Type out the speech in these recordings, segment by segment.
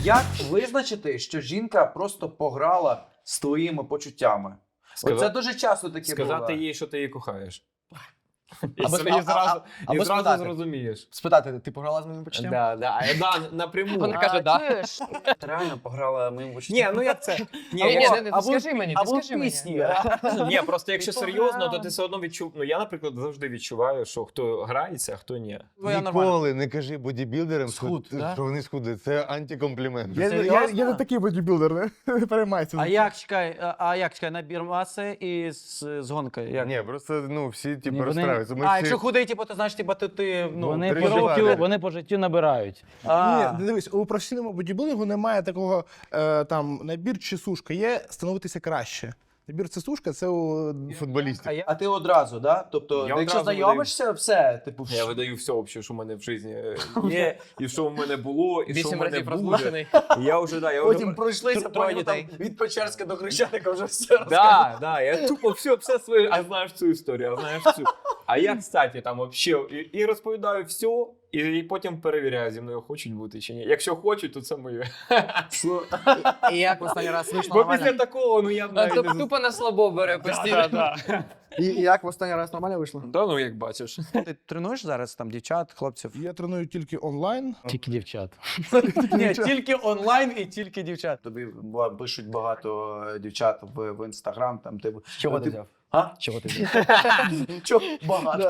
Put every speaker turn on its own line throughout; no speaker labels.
Як визначити, що жінка просто пограла з твоїми почуттями? Це дуже часто таке
Сказати
буває.
їй, що ти її кохаєш.
Або
І зразу
спитати.
зрозумієш.
Спитати, ти пограла з моїм почуттям?
Да, напряму.
Вона каже, да.
Чуєш? Ти реально пограла моїм почуттям?
Ні, ну як це?
Ні, скажи мені, ти
або
скажи мені.
пісні.
Ні, просто якщо серйозно, то ти все одно відчув. Ну я, наприклад, завжди відчуваю, що хто грається, а хто ні.
Ніколи не кажи бодібілдерам,
Схуд,
що,
да?
що вони схудли. Це антикомплімент.
Я не такий бодібілдер, не переймайся.
А як, чекай, набір маси і з гонкою? Як?
Ні, просто ну, всі типу,
Ні, вони-
розстраюються. Ми
А,
всі...
якщо худий, типу, то значить, типу, ти ну,
Вони по,
тренували.
життю, вони по життю набирають.
Ні, дивись, у професійному бодібілдингу немає такого там набір чи сушка. Є становитися краще. Набір це сушка, це у
футболістів.
А ти одразу, да? Тобто,
Я
якщо
одразу
знайомишся, все, типу,
Я видаю все, взагалі, що в мене в житті є, і що в мене було, і що в
8
мене
разів
буде.
розлучений.
І я вже, да, я
потім
вже...
пройшлися,
Троє
потім там
дітей.
від Печерська до Хрещатика вже все
Да, я тупо все своє, а знаєш цю історію, а знаєш цю. А я, кстати, там вообще і розповідаю все, і потім перевіряю, зі мною хочуть бути чи ні. Якщо хочуть, то це моє.
І як в останній раз вийшло
Бо
нормально?
після такого, ну я б навіть не...
Тупо на слабо бере постійно.
І як в останній раз нормально вийшло?
Да, ну як бачиш.
Ти тренуєш зараз там дівчат, хлопців?
Я треную тільки онлайн.
Тільки дівчат.
Ні, тільки онлайн і тільки дівчат.
Тобі пишуть багато дівчат в Інстаграм, там ти...
Чого ти взяв?
А?
Чого ти взяв?
Чого багато?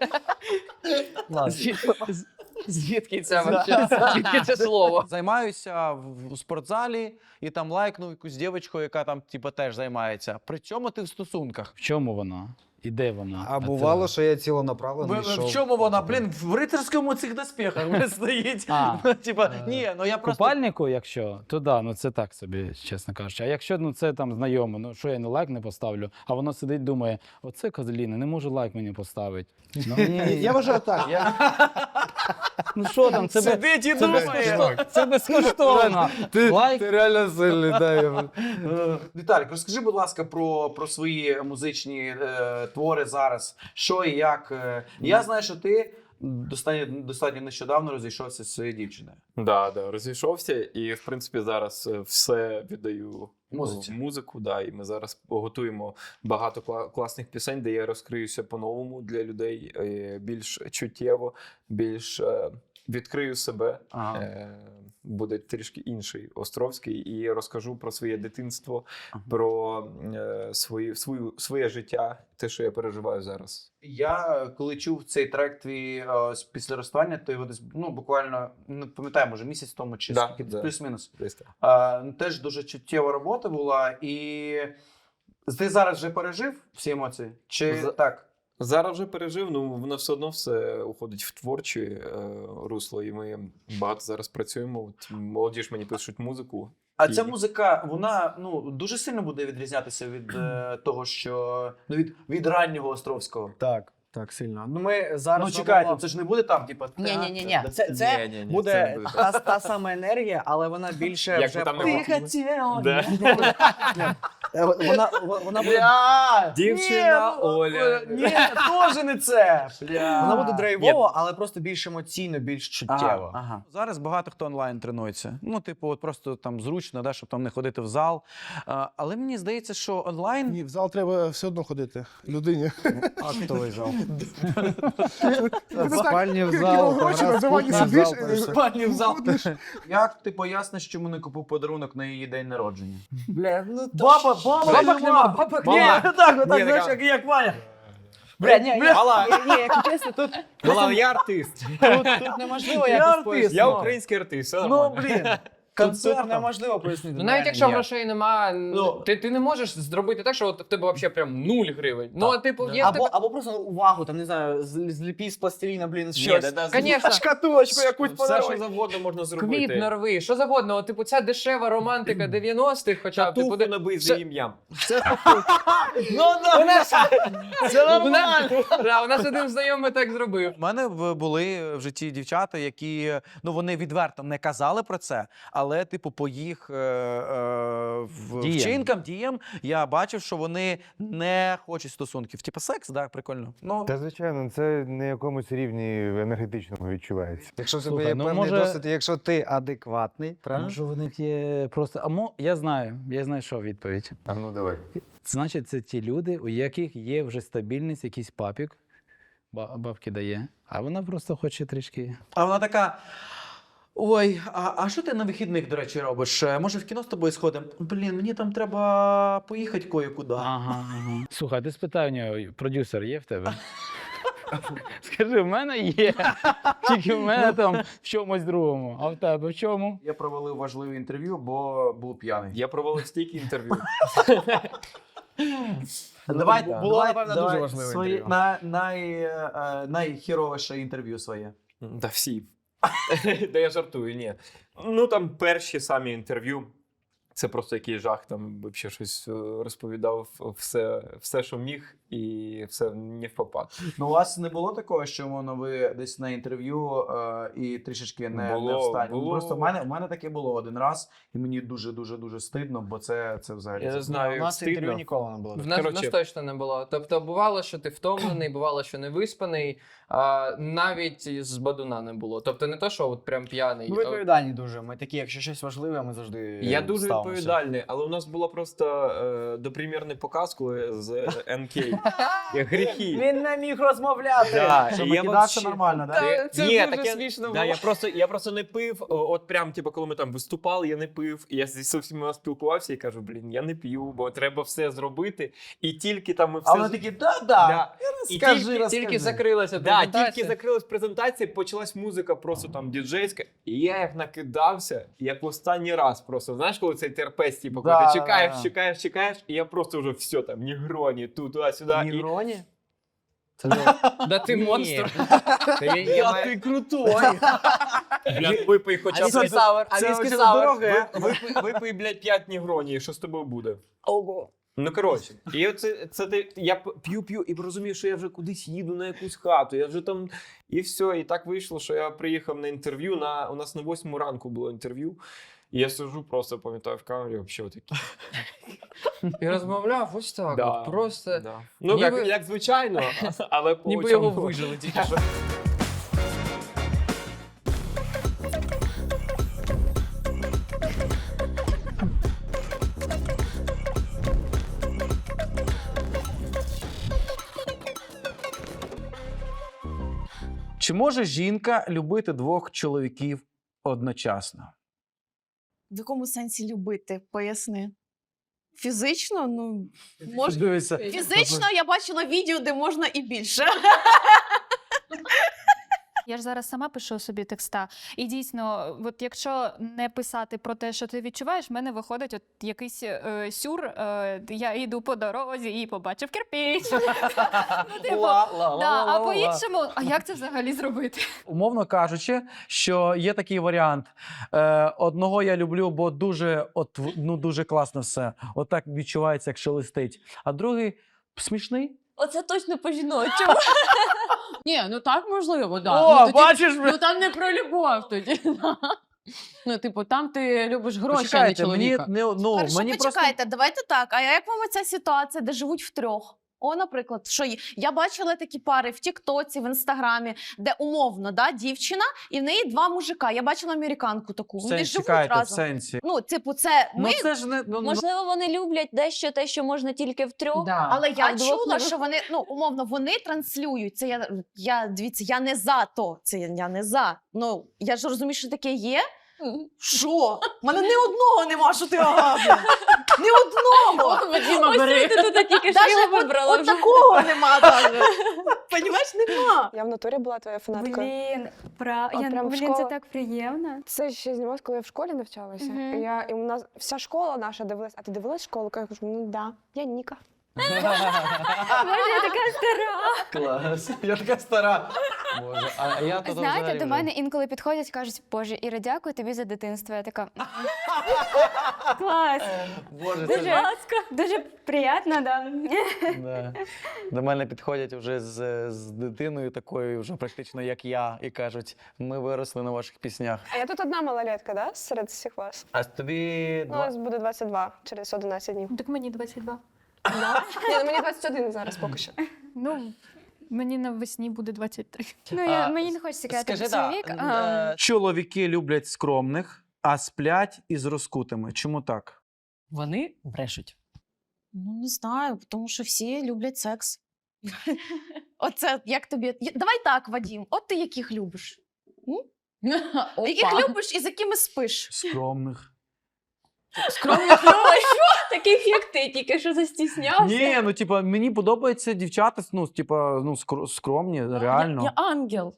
Звідки це вообще? Звідки це слово?
Займаюся в спортзалі і там лайкнув якусь дівчинку, яка там типу, теж займається. При чому ти в стосунках?
В чому вона? І де вона?
А бувало, що я цілонаправлено йшов.
В чому вона? Блін, в рицарському цих доспіхах вже стоїть.
А.
Ну, типа, ні, ну я
В
просто...
купальнику, якщо, то да, ну це так собі, чесно кажучи. А якщо ну, це там знайомо, ну що я не лайк не поставлю, а воно сидить, думає, оце козліна, не може лайк мені поставити. Ну,
Я вважаю так.
ну що там, це,
Сидить і думає.
це безкоштовно. Лайк.
Ти реально сильний, дай.
Віталік, розкажи, будь ласка, про свої музичні твори зараз. Що і як. Я знаю, що ти достатньо нещодавно розійшовся зі своєю дівчиною.
Да, розійшовся, і в принципі зараз все віддаю
Музиці.
музику. Да, і ми зараз готуємо багато класних пісень, де я розкриюся по-новому для людей, більш чуттєво, більш відкрию себе.
Ага.
Буде трішки інший Островський, і розкажу про своє дитинство, про своє життя, те, що я переживаю зараз.
Я, коли чув цей трек твій після розставання, то його десь, ну, буквально, не пам'ятаю, може місяць тому чи
Да,
скільки,
да.
плюс-мінус.
Десь так.
Теж дуже чуттєва робота була, і ти зараз вже пережив всі емоції? Чи так?
Зараз вже пережив, ну воно все одно все уходить в творче русло, і ми багато зараз працюємо. От молоді ж мені пишуть музику.
А ця музика, вона ну дуже сильно буде відрізнятися від того, що ну від раннього Островського.
Так, сильно. Ну ми зараз.
Ну чекайте, це ж не буде там, типа.
Ні. Це
Ні,
буде
це не буде.
та сама енергія, але вона більше
Як
вже
ви там не
про-
хотіли.
Вона буде
Дівчина Оля.
Ні, теж не це.
вона буде драйвово, але просто більш емоційно, більш чуттєво.
Ага.
Зараз багато хто онлайн тренується. Ну, типу, от просто там зручно, да, щоб там не ходити в зал. Але мені здається, що онлайн...
Ні, в зал треба все одно ходити людині.
Актовий зал.
Спальні
в
зал, гроші на дивані сидиш.
Спальні в зал. Як ти поясниш, чому не купив подарунок на її день народження?
Бля, ну
Баба
нема, бабок
Ні,
нема.
отак,
Ні,
знаєш,
така-
як Ваня.
Бля, ні,
Мала.
якщо чесно, тут
Я артист.
неможливо
Я
якось
артист.
пояснити.
Я український артист, все
Ну,
нормально.
блін.
Тут
Концерт.
неможливо пояснити.
Ну навіть якщо
Ні.
грошей нема,
Ну.
ти не можеш зробити так, що от в тебе взагалі прям 0 гривень. Ну, а типу, є в тебе...
Або просто увагу, там, не знаю, зліпі з пластиліна, блін,
Ні,
щось.
Конечно.
Шкатулочку якусь
Все, що
подаруй.
завгодно можна
Квіт
зробити.
нарви, що завгодно. От, типу, ця дешева романтика 90-х, хоча б, типу,
Татуху набий за ім'ям.
у нас... У нас один знайомий так зробив.
У мене були в житті дівчата, які, ну, вони відверто не казали про це, але типу по їх
Діям.
вчинкам, діям, я бачив, що вони не хочуть стосунків. Типу секс, так, прикольно. Ну,
Та звичайно, це на якомусь рівні енергетичному відчувається.
Якщо в тебе
Слухай,
є
ну,
певний
може-
досвід, і якщо ти адекватний, правильно?
Може, в них є просто. Я знайшов відповідь.
А ну давай.
Значить, це ті люди, у яких є вже стабільність, якийсь папік, бабки дає, а вона просто хоче трішки.
а вона така. Ой, а що ти на вихідних, до речі, робиш? Може, в кіно з тобою сходимо? Блін, мені там треба поїхати кое-куди.
Ага. Слухай, ти спитай у нього, продюсер є в тебе? Скажи, в мене є. Тільки в мене там в чомусь другому. А в тебе в чому?
Я провалив важливе інтерв'ю, бо був п'яний.
Я провалив стільки інтерв'ю.
Було, напевно, дуже важливе інтерв'ю.
Найхіровіше інтерв'ю своє.
Та всі. Та я жартую, ні. Ну там перші самі інтерв'ю. Це просто який жах, там взагалі щось розповідав все, що міг, і все не в попад.
Ну, у вас не було такого, що мовно, ви десь на інтерв'ю і трішечки не
Було,
встані?
було.
Просто в мене таке було один раз, і мені дуже стидно, бо це взагалі.
Я не
У
знаю,
нас інтерв'ю
стидно.
ніколи не було.
В нас
Коротше.
точно не було. Тобто бувало, що ти втомлений, бувало, що не виспаний, навіть з бадуна не було. Тобто не то, що от прям п'яний.
Ми відповідальні дуже. Ми такі, якщо щось важливе, ми завжди
Я дуже
ставимося.
відповідальний, але у нас була просто допримірний показ, коли з НК. Гріхи.
Він не міг розмовляти.
Да,
Щоб
і я
викидатися
вообще-
нормально, так?
Та, це
Ні,
дуже
так
смішно
да,
було.
я просто не пив. От прям, типу, коли ми там виступали, я не пив. І я зі всіма спілкувався і кажу, блін, я не п'ю, бо треба все зробити. І тільки там ми все...
А вони такі, да.
Да. І
Розкажи.
Тільки закрилася
Да,
презентація.
тільки закрилась презентація, почалась музика просто там діджейська, і я як накидався, як в останній раз просто. Знаєш, коли цей терпець, типу, коли
Да,
ти чекаєш,
да.
чекаєш, і я просто вже все там, нігроні, туди-сюди. І...
Нігроні?
Да ти
Ні.
монстр.
Та я маю-
Ти крутой.
Блядь, випий хоча б...
віскі сауер,
Це
віскі
дуже
сауер.
дороге.
Випий, блядь, 5 нігроні, і що з тобою буде?
Ого.
Ну, коротше, і це я п'ю і розумію, що я вже кудись їду на якусь хату, я вже там, і все, і так вийшло, що я приїхав на інтерв'ю, у нас на 8 ранку було інтерв'ю, і я сижу, просто пам'ятаю в камері, взагалі отакі.
І розмовляв ось так.
Да,
от просто.
да. Ну,
Ніби-
як звичайно, але по
Ніби
очам
його
було.
вижили тільки що.
Чи може жінка любити двох чоловіків одночасно?
В якому сенсі любити? Поясни. Фізично? Ну, може.
Дивися.
Фізично я бачила відео, де можна і більше.
Я ж зараз сама пишу собі текста. І дійсно, от якщо не писати про те, що ти відчуваєш, в мене виходить от якийсь сюр. Я йду по дорозі і побачив кирпіч. Ну, типу, да, а по-іншому, а як це взагалі зробити?
Умовно кажучи, що є такий варіант. Одного я люблю, бо дуже класно все. Отак відчувається, як шелестить. А другий смішний.
Оце точно по-жіночому.
Ні, ну так можливо, да.
О,
Ну, тоді-
бачиш?
Ну там не про любов тоді. Ну, типу, там ти любиш гроші, а не
Почекайте, мені,
чоловіка.
Хорошо,
мені просто...
почекайте, давайте так. А як вам ця ситуація, де живуть втрьох? О, наприклад, що я бачила такі пари в Тіктоці, в Інстаграмі, де умовно, да, дівчина, і в неї два мужика. Я бачила американку таку. Вони живуть
Чекайте, в
разом.
сенсі.
Ну, типу, це ми.
Ну це ж не...
Можливо, вони люблять дещо те, що можна тільки втрьох.
Да.
Але я
А вдвох
чула,
не
що вони, ну, умовно, вони транслюють. Це дивіться, я не за то. Це я не за. Ну, я ж розумію, що таке є. Що? У мене ні одного нема, що ти агавля. Ні одного.
Вадима, бери.
От такого нема навіть. Понімаєш, нема.
Я в натурі була твоя фанатка.
Блін,
прям в
це
школу.
так приємно.
Це ще знімалось, коли я в школі навчалася.
Мгм.
І у нас вся школа наша дивилась. А ти дивилась школу? Я кажу, ну да, я Ніка.
Боже, я така стара.
Клас. Я така стара.
Боже, а я тут
Знаєте,
взагалі
до
вже-
мене інколи підходять, кажуть, Боже, Іра, дякую тобі за дитинство. Я така, клас.
Боже, це ж-
Дуже приємно, да.
Да. До мене підходять вже з дитиною такою, вже практично як я, і кажуть, ми виросли на ваших піснях.
А я тут одна малолетка, да? Серед всіх вас.
А тобі
Ну, ось буде 22 через 11 днів.
Так мені 22.
Ні, ну мені 21 зараз поки що.
Ну, мені навесні буде 23.
Ну, мені не хочеться казати про свій вік.
Чоловіки люблять скромних, а сплять із розкутими. Чому так?
Вони брешуть.
Ну, не знаю, тому що всі люблять секс. Оце як тобі. Давай так, Вадім, от ти яких любиш? Яких любиш і з якими спиш?
Скромних.
Скромних що? Таких, як ти, тільки що застіснявся.
Ні, ну типа мені подобаються дівчата, ну, типа, ну, скромні, реально.
Я ангел.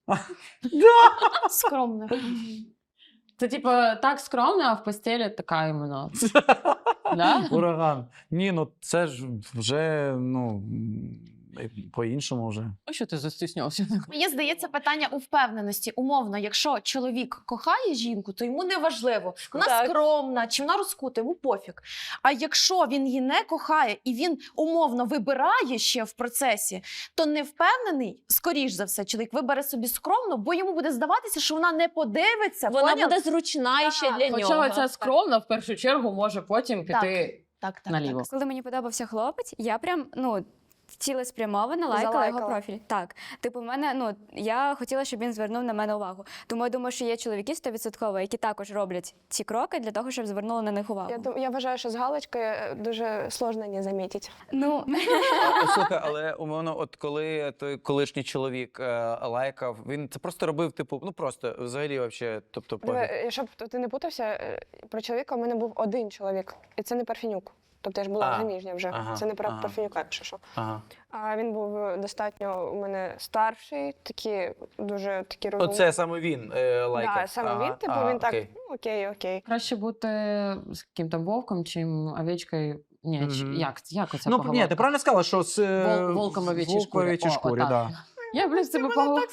Скромно.
Це типу так скромно, а в постелі така іменно. Да?
Ураган. Ні, ну це ж вже, ну, по-іншому вже.
А що ти застіснявся?
Мені здається, питання у впевненості. Умовно, якщо чоловік кохає жінку, то йому не важливо, вона
Так.
скромна чи вона розкута, йому пофіг. А якщо він її не кохає і він умовно вибирає ще в процесі, то не впевнений, скоріш за все, чоловік вибере собі скромно, бо йому буде здаватися, що вона не подивиться.
Вона
поняв?
буде зручна ще для нього. Хоча ця скромна в першу чергу може потім піти
Так.
наліво.
Коли мені подобався хлопець, я прям, цілеспрямовано лайкала його
Залайкала.
профіль. Так. Типу, в мене, я хотіла, щоб він звернув на мене увагу. Тому я думаю, що є чоловіки 100%, які також роблять ці кроки для того, щоб звернули на них увагу.
Я вважаю, що з галочкою дуже сложно не замітити.
Ну,
Слухай, але умовно, от коли той колишній чоловік лайкав, він це просто робив, типу, ну просто взагалі вообще, тобто пофіг.
Щоб ти не путався, про чоловіка у мене був один чоловік, і це не Парфенюк. Тобто я ж була заміжня вже. Це не про Парфенюка, якщо що. А він був достатньо у мене старший, дуже такі розумні.
Оце саме він лайкав?
Так, саме він, типу, він так, окей.
Краще бути з яким-то вовком, чим овечкою. Ні, як оце
Ну,
поговорка?
ні, ти правильно сказала, що з
Волком овечій шкурі.
овечій шкурі,
отак.
да.
Я, блін, з тебе поговорки.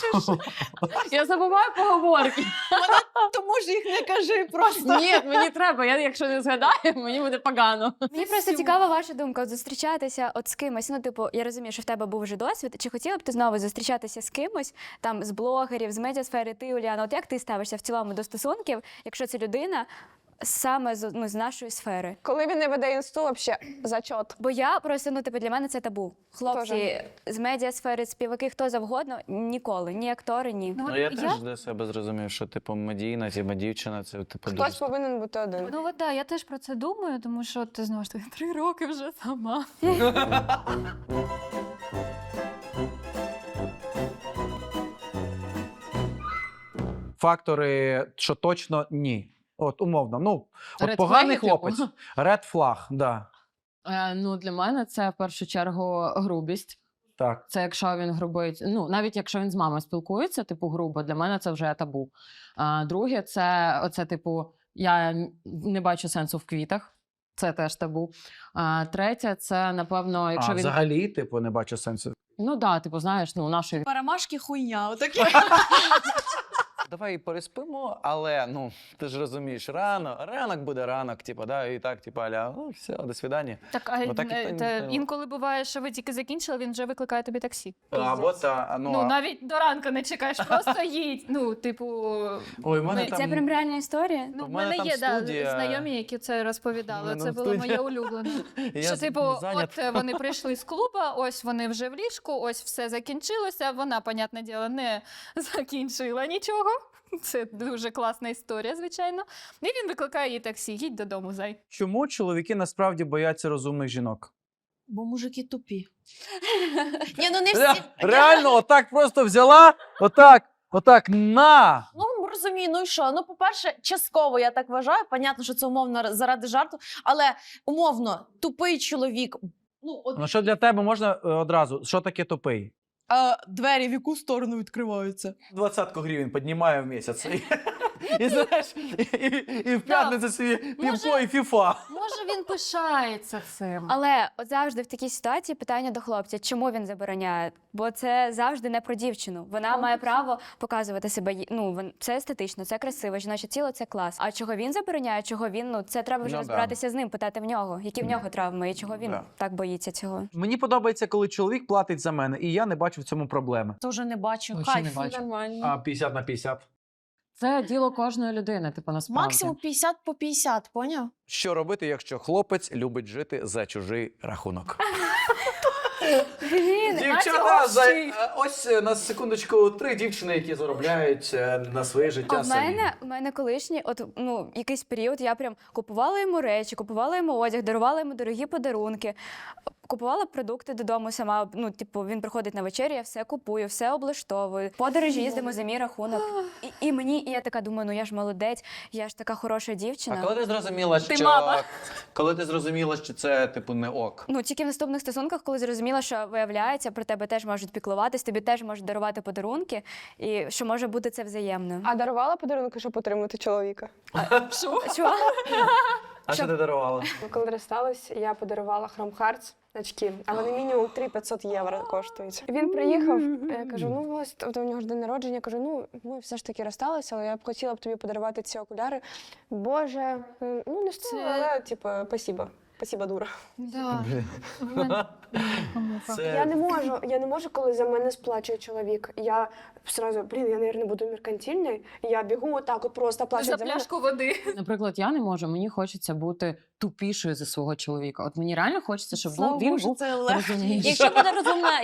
Я забуваю поговорки.
Тому ж їх не кажи просто.
Ні, мені треба. Я, якщо не згадаю, мені буде погано.
мені просто цікава ваша думка, от зустрічатися от з кимось. Ну, типу, я розумію, що в тебе був вже досвід. Чи хотіла б ти знову зустрічатися з кимось, там, з блогерів, з медіасфери, ти, Уляна, от як ти ставишся в цілому до стосунків, якщо це людина саме з нашої сфери?
Коли він не веде інсту, взагалі, зачот.
Бо я просто, для мене це табу. Хлопці з медіасфери, співаки, хто завгодно, ніколи, ні актори, ні.
Ну, я теж для себе зрозумів, що, типу, медійна, дівчина, це, типу, дуже...
Хтось повинен бути один.
Ну, от, я теж про це думаю, тому що ти знову ж таки 3 роки вже сама.
Фактори, що точно ні. От, умовно, от
Red
поганий
flag, типу?
хлопець. Red flag, да.
Для мене це в першу чергу грубість.
Так.
Це якщо він грубить, навіть якщо він з мамою спілкується, типу грубо, для мене це вже табу. Друге, це оце, типу, я не бачу сенсу в квітах. Це теж табу. Третє, це, напевно, якщо він...
Взагалі, типу, не бачу сенсу.
Ну, да, типу, знаєш, нашої...
Перемашки хуйня, отакі.
Давай переспимо, але, ти ж розумієш, ранок буде ранок, типу, да, і так, типу, аля, все, до свидання.
Так, інколи буває, що ви тільки закінчили, він вже викликає тобі таксі.
Або
Навіть до ранку не чекаєш, просто їдь.
Ой, в мене
Це прям реальна історія?
В мене є знайомі, які це розповідали. Це було моє улюблене. Що, типу, от вони прийшли з клуба, ось вони вже в ліжку, ось все закінчилося, вона, понятне діло, не закінчила нічого. Це дуже класна історія, звичайно. І він викликає їй таксі, їдь додому, зай.
Чому чоловіки насправді бояться розумних жінок?
Бо мужики тупі. Ні, не всі.
Реально, отак просто взяла, отак, на!
Розумію, і що? По-перше, частково я так вважаю. Понятно, що це умовно заради жарту, але умовно, тупий чоловік.
Що для тебе можна одразу? Що таке тупий?
Двері в яку сторону відкриваються?
20 гривень піднімаю в місяць.
І знаєш, і в п'ятницю собі півко і фіфа.
Може, він пишається цим.
Але от завжди в такій ситуації питання до хлопця, чому він забороняє? Бо це завжди не про дівчину. Вона має право показувати себе. Ну, це естетично, це красиво, жіноче тіло це клас. А чого він забороняє, чого він, ну це треба вже розбиратися з ним, питати в нього, які в нього травми і чого він так боїться цього.
Мені подобається, коли чоловік платить за мене, і я не бачу в цьому проблеми.
Тоже не бачу.
Вообще не
Кайф.
бачу.
Нормально.
А 50 на 50?
Це діло кожної людини, типу, насправді.
Максимум 50 по 50, поняв?
Що робити, якщо хлопець любить жити за чужий рахунок? Дівчата, ось на секундочку 3 дівчини, які заробляють на своє життя
А в
самі.
мене колишній, якийсь період я прям купувала йому речі, купувала йому одяг, дарувала йому дорогі подарунки, купувала продукти додому сама. Ну, типу, він приходить на вечерю, я все купую, все облаштовую. Подорожі їздимо за мій рахунок. І я така думаю, ну я ж молодець, я ж така хороша дівчина.
А коли ти зрозуміла, що
мама.
коли ти зрозуміла, що це типу не ок?
Ну, тільки в наступних стосунках, коли зрозуміла, що виявляється, про тебе теж можуть піклуватись, тобі теж можуть дарувати подарунки, і що може бути це взаємно.
А дарувала подарунки, щоб отримати чоловіка?
Чого?
А що ти дарувала?
Коли розстались, я подарувала Chrome Hearts очки, а вони мінімум 3-500 євро коштують. Він приїхав, я кажу, ну ось у нього ж день народження, я кажу, ну ми все ж таки розсталися, але я б хотіла б тобі подарувати ці окуляри. Боже, ну не стоїть, але типу, спасибо. Спасибо, дура.
Да.
Я не можу, коли за мене сплачує чоловік. Я сразу, я, мабуть, буду меркантильною. Я бігу отак, от просто плачуть за мене.
пляшку води.
Наприклад, я не можу, мені хочеться бути тупішою за свого чоловіка. От мені реально хочеться, щоб
Слава
він
Богу, що
був
це легко.
розумніший.
Якщо буде розумна,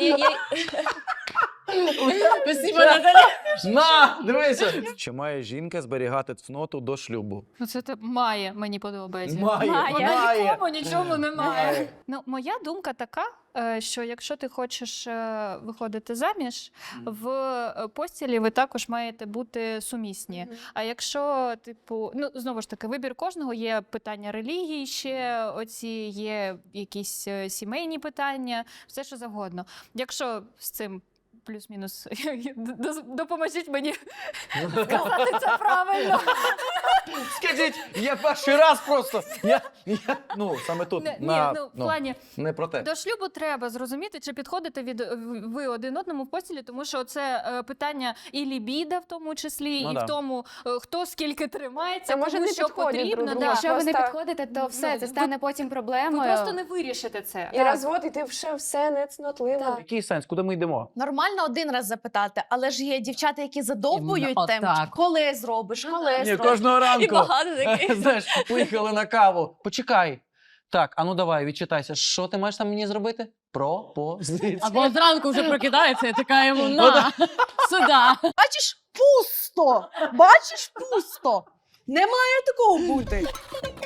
Спасибо, Наталя.
На, дивися! Чи має жінка зберігати цноту до шлюбу?
Ну це має, мені подобається.
Має.
Нікому нічому немає.
Має.
Ну, моя думка така, що якщо ти хочеш виходити заміж, в постілі ви також маєте бути сумісні. А якщо, типу, ну знову ж таки, вибір кожного, є питання релігії ще, оці є якісь сімейні питання, все що завгодно. Якщо з цим плюс-мінус допоможіть мені сказати це правильно.
Скажіть, я перший раз просто. Ну, саме тут.
В плані,
не про те.
до шлюбу треба зрозуміти, чи підходите ви один одному в постілі, тому що це питання і лібіда в тому числі, і в тому, хто скільки тримається, кому що потрібно.
Якщо ви не підходите, то все, це стане потім проблемою.
Ви просто не вирішите це.
І розвод, і ти все не цнотливо.
Який сенс? Куди ми йдемо?
Нормально один раз запитати, але ж є дівчата, які задовбують
Іменно
тим,
отак.
коли зробиш, коли
Ні,
зробиш.
кожного ранку.
І багато таких.
Знаєш, поїхали на каву. Почекай. Так, а ну давай, відчитайся. Що ти маєш там мені зробити? Пропозиція.
Або зранку вже прокидається і така йому на сюди.
Бачиш, пусто! Бачиш, пусто! Не має такого бути.